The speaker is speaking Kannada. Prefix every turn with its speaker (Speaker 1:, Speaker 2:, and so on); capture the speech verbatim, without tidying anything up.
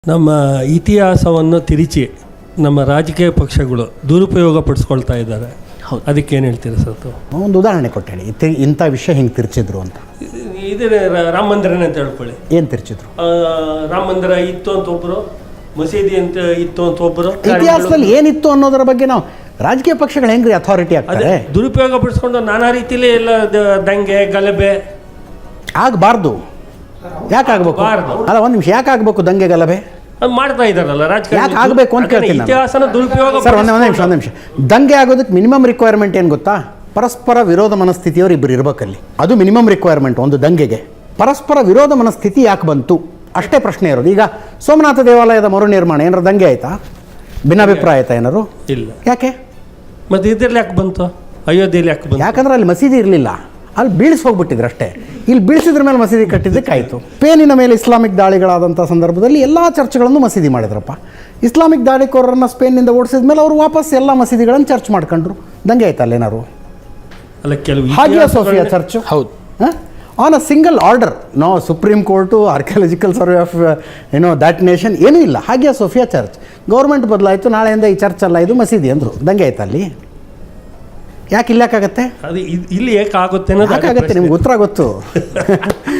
Speaker 1: ನಮ್ಮ ಇತಿಹಾಸವನ್ನು ತಿರುಚಿ ನಮ್ಮ ರಾಜಕೀಯ ಪಕ್ಷಗಳು ದುರುಪಯೋಗ ಪಡಿಸ್ಕೊಳ್ತಾ ಇದ್ದಾರೆ.
Speaker 2: ಹೌದು,
Speaker 1: ಅದಕ್ಕೆ ಏನು ಹೇಳ್ತೀರಾ ಸರ್?
Speaker 2: ಒಂದು ಉದಾಹರಣೆ ಕೊಟ್ಟು ಹೇಳಿ, ಇತಿ ಇಂಥ ವಿಷಯ ಹಿಂಗೆ ತಿರ್ಚಿದ್ರು ಅಂತ.
Speaker 1: ಇದೇ ರಾಮ ಮಂದಿರನೇ ಅಂತ ಹೇಳ್ಕೊಳ್ಳಿ.
Speaker 2: ಏನು ತಿರ್ಚಿದ್ರು?
Speaker 1: ರಾಮ ಮಂದಿರ ಇತ್ತು ಅಂತ ಒಬ್ಬರು, ಮಸೀದಿ ಅಂತ ಇತ್ತು ಅಂತ ಒಬ್ಬರು.
Speaker 2: ಇತಿಹಾಸದಲ್ಲಿ ಏನಿತ್ತು ಅನ್ನೋದರ ಬಗ್ಗೆ ನಾವು ರಾಜಕೀಯ ಪಕ್ಷಗಳು ಹೆಂಗ್ರಿ ಅಥಾರಿಟಿ ಆಗ್ತಾರೆ?
Speaker 1: ದುರುಪಯೋಗ ಪಡಿಸ್ಕೊಂಡು ನಾನಾ ರೀತಿಯಲ್ಲಿ ಎಲ್ಲ ದಂಗೆ ಗಲಭೆ
Speaker 2: ಆಗಬಾರ್ದು. ಯಾಕೆ ಆಗ್ಬೇಕು? ಅಲ್ಲ, ಒಂದು ನಿಮಿಷ, ಯಾಕೆ ಆಗಬೇಕು ದಂಗೆ ಗಲಭೆ?
Speaker 1: ಅದು ಮಾಡ್ತಾ ಇದ್ದಾರಲ್ಲ ರಾಜಕಾರಣ.
Speaker 2: ಯಾಕೆ ಆಗಬೇಕು ಅಂತ ಕೇಳ್ತೀನಿ.
Speaker 1: ಇತಿಹಾಸನ ದುರುಪಯೋಗ
Speaker 2: ಸರ್, ಒಂದೇ ಒಂದು ನಿಮಿಷ ಒಂದು ನಿಮಿಷ ದಂಗೆ ಆಗೋದಕ್ಕೆ ಮಿನಿಮಮ್ ರಿಕ್ವೈರ್ಮೆಂಟ್ ಏನು ಗೊತ್ತಾ? ಪರಸ್ಪರ ವಿರೋಧ ಮನಸ್ಥಿತಿಯವರು ಇಬ್ಬರು ಇರಬೇಕಲ್ಲಿ. ಅದು ಮಿನಿಮಮ್ ರಿಕ್ವೈರ್ಮೆಂಟ್ ಒಂದು ದಂಗೆಗೆ. ಪರಸ್ಪರ ವಿರೋಧ ಮನಸ್ಥಿತಿ ಯಾಕೆ ಬಂತು ಅಷ್ಟೇ ಪ್ರಶ್ನೆ ಇರೋದು. ಈಗ ಸೋಮನಾಥ ದೇವಾಲಯದ ಮರು ನಿರ್ಮಾಣ ಏನಾರು ದಂಗೆ ಆಯ್ತಾ? ಭಿನ್ನಾಭಿಪ್ರಾಯ ಆಯ್ತಾ ಏನಾರು?
Speaker 1: ಇಲ್ಲ.
Speaker 2: ಯಾಕೆ?
Speaker 1: ಮತ್ತೆ ಇದ್ರಲ್ಲಿ ಯಾಕೆ ಬಂತು? ಅಯೋಧ್ಯೆಯಲ್ಲಿ ಯಾಕೆ ಬಂತು?
Speaker 2: ಯಾಕಂದ್ರೆ ಅಲ್ಲಿ ಮಸೀದಿ ಇರಲಿಲ್ಲ, ಅಲ್ಲಿ ಬೀಳಿಸಿ ಹೋಗ್ಬಿಟ್ಟಿದ್ರು ಅಷ್ಟೇ. ಇಲ್ಲಿ ಬೀಳಿಸಿದ್ರ ಮೇಲೆ ಮಸೀದಿ ಕಟ್ಟಿದ್ದಕ್ಕಾಯಿತು. ಸ್ಪೇನಿನ ಮೇಲೆ ಇಸ್ಲಾಮಿಕ್ ದಾಳಿಗಳಾದಂಥ ಸಂದರ್ಭದಲ್ಲಿ ಎಲ್ಲ ಚರ್ಚ್ಗಳನ್ನು ಮಸೀದಿ ಮಾಡಿದ್ರಪ್ಪ. ಇಸ್ಲಾಮಿಕ್ ದಾಳಿಕೋರರನ್ನು ಸ್ಪೇನ್ನಿಂದ ಓಡಿಸಿದ ಮೇಲೆ ಅವರು ವಾಪಸ್ ಎಲ್ಲ ಮಸೀದಿಗಳನ್ನು ಚರ್ಚ್ ಮಾಡ್ಕೊಂಡ್ರು. ದಂಗೆ ಆಯ್ತಲ್ಲ ಏನಾರು?
Speaker 1: ಅಲ್ಲ, ಕೆಲವು
Speaker 2: ಹಾಗಿಯಾ ಸೋಫಿಯಾ ಚರ್ಚ್
Speaker 1: ಹೌದು
Speaker 2: on a single order. No supreme court, archaeological survey of ಏನೋ ದ್ಯಾಟ್ ನೇಷನ್ ಏನೂ ಇಲ್ಲ. ಹಾಗಿಯಾ ಸೋಫಿಯಾ ಚರ್ಚ್ ಗೌರ್ಮೆಂಟ್ ಬದಲಾಯಿತು, ನಾಳೆಯಿಂದ ಈ ಚರ್ಚ್ ಅಲ್ಲ ಇದು ಮಸೀದಿ ಅಂದರು. ದಂಗೆ ಆಯ್ತಾ ಅಲ್ಲಿ? ಯಾಕೆ ಇಲ್ಲಾಕಾಗತ್ತೆ?
Speaker 1: ಅದು ಇಲ್ಲಿ ಯಾಕೆ ಆಗುತ್ತೆ?
Speaker 2: ಯಾಕಾಗತ್ತೆ? ನಿಮ್ಗೆ ಉತ್ತರ ಗೊತ್ತು.